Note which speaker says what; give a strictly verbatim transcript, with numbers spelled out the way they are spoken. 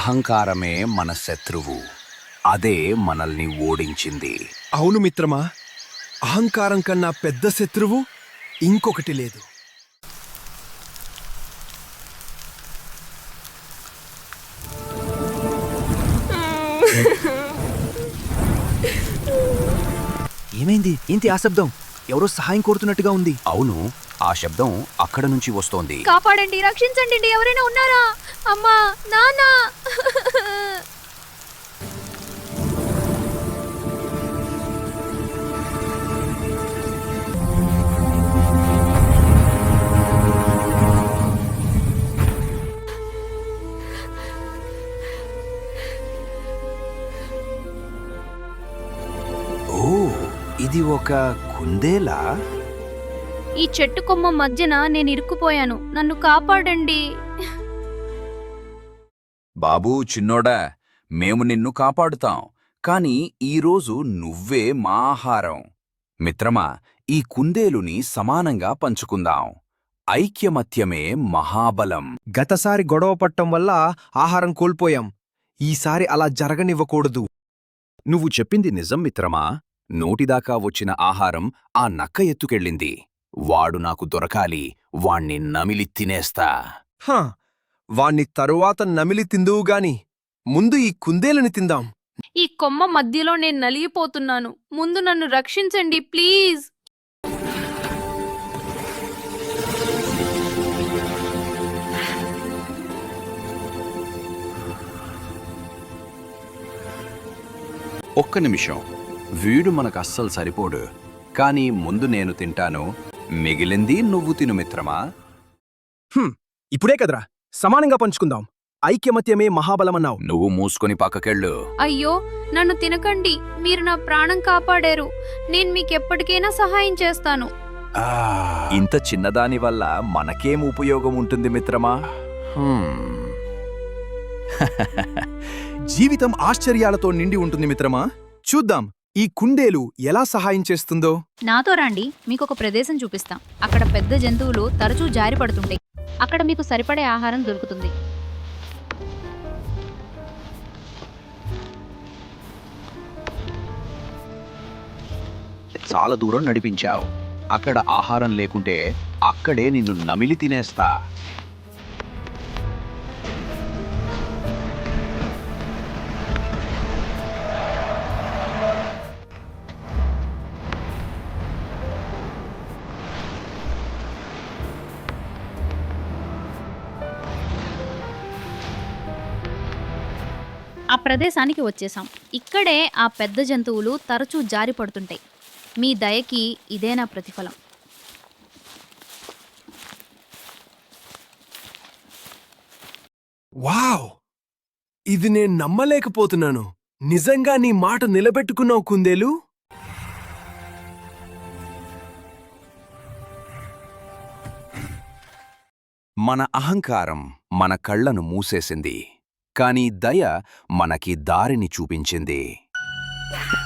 Speaker 1: అహంకారమే మన శత్రువు. అదే మనల్ని ఓడించింది.
Speaker 2: అవును మిత్రమా, అహంకారం కన్నా పెద్ద శత్రువు ఇంకొకటి లేదు.
Speaker 3: ఏమైంది? ఏంటి ఆ శబ్దం? ఎవరో సహాయం కోరుతున్నట్టుగా ఉంది.
Speaker 1: అవును, ఆ శబ్దం అక్కడ నుంచి వస్తోంది.
Speaker 4: కాపాడండి, రక్షించండి, ఎవరైనా ఉన్నారా? అమ్మా, నాన్నా!
Speaker 1: ఓ, ఇది ఒక కుందేలా?
Speaker 4: ఈ చెట్టు కొమ్మ మధ్యన నేను ఇరుక్కుపోయాను, నన్ను కాపాడండి.
Speaker 1: బాబూ చిన్నోడా, మేము నిన్ను కాపాడుతాం, కాని ఈరోజు నువ్వే మా ఆహారం. మిత్రమా, ఈ కుందేలుని సమానంగా పంచుకుందాం. ఐక్యమత్యమే మహాబలం.
Speaker 2: గతసారి గొడవ పట్టం వల్ల ఆహారం కోల్పోయాం. ఈసారి అలా జరగనివ్వకూడదు.
Speaker 1: నువ్వు చెప్పింది నిజం మిత్రమా. నోటిదాకా వచ్చిన ఆహారం ఆ నక్క ఎత్తుకెళ్ళింది. వాడు నాకు దొరకాలి, వాణ్ణి నమిలి తినేస్తా.
Speaker 2: హా, వాణ్ణి తరువాత నమిలి తిందువుగాని ముందు ఈ కుందేలని తిందాం.
Speaker 4: ఈ కొమ్మ మధ్యలో నేను నలిగిపోతున్నాను, ముందు నన్ను రక్షించండి ప్లీజ్.
Speaker 1: ఒక్క నిమిషం, వీడు మనకు అస్సలు సరిపోడు. కాని ముందు నేను తింటాను, మిగిలింది నువ్వు తిను మిత్రమా.
Speaker 2: హ్మ్, ఇప్పుడే కదరా, సమానంగా పంచుకుందాం. ఐక్యమత్యమే మహాబలమన్నావు.
Speaker 1: నువ్వు మూసుకొని పక్కకెళ్ళు.
Speaker 4: అయ్యో, నన్ను తినకండి, మీరు నా ప్రాణం కాపాడారు. నేను మీకెప్పటికైనా సహాయం చేస్తాను.
Speaker 1: ఇంత చిన్నదాని వల్ల మనకేం ఉపయోగం ఉంటుంది మిత్రమా?
Speaker 2: జీవితం ఆశ్చర్యాలతో నిండి ఉంటుంది మిత్రమా. చూద్దాం ఈ కుందేలు ఎలా సహాయం చేస్తుందో.
Speaker 4: నాతో రండి, మీకొక ప్రదేశం చూపిస్తాం. అక్కడ పెద్ద జంతువులు తరచూ జారి పడుతుంటాయి. అక్కడ మీకు సరిపడే ఆహారం దొరుకుతుంది.
Speaker 1: చాలా దూరం నడిపించావు. అక్కడ ఆహారం లేకుంటే అక్కడే నిన్ను నమిలి తినేస్తా.
Speaker 4: ఆ ప్రదేశానికి వచ్చేసాం. ఇక్కడే ఆ పెద్ద జంతువులు తరచూ జారి పడుతుంటాయి. మీ దయకి ఇదే నా ప్రతిఫలం.
Speaker 2: వావ్, ఇది నేను నమ్మలేకపోతున్నాను. నిజంగా నీ మాట నిలబెట్టుకున్నావు కుందేలు.
Speaker 1: మన అహంకారం మన కళ్లను మూసేసింది, కాని దయ మనకి దారిని చూపించింది.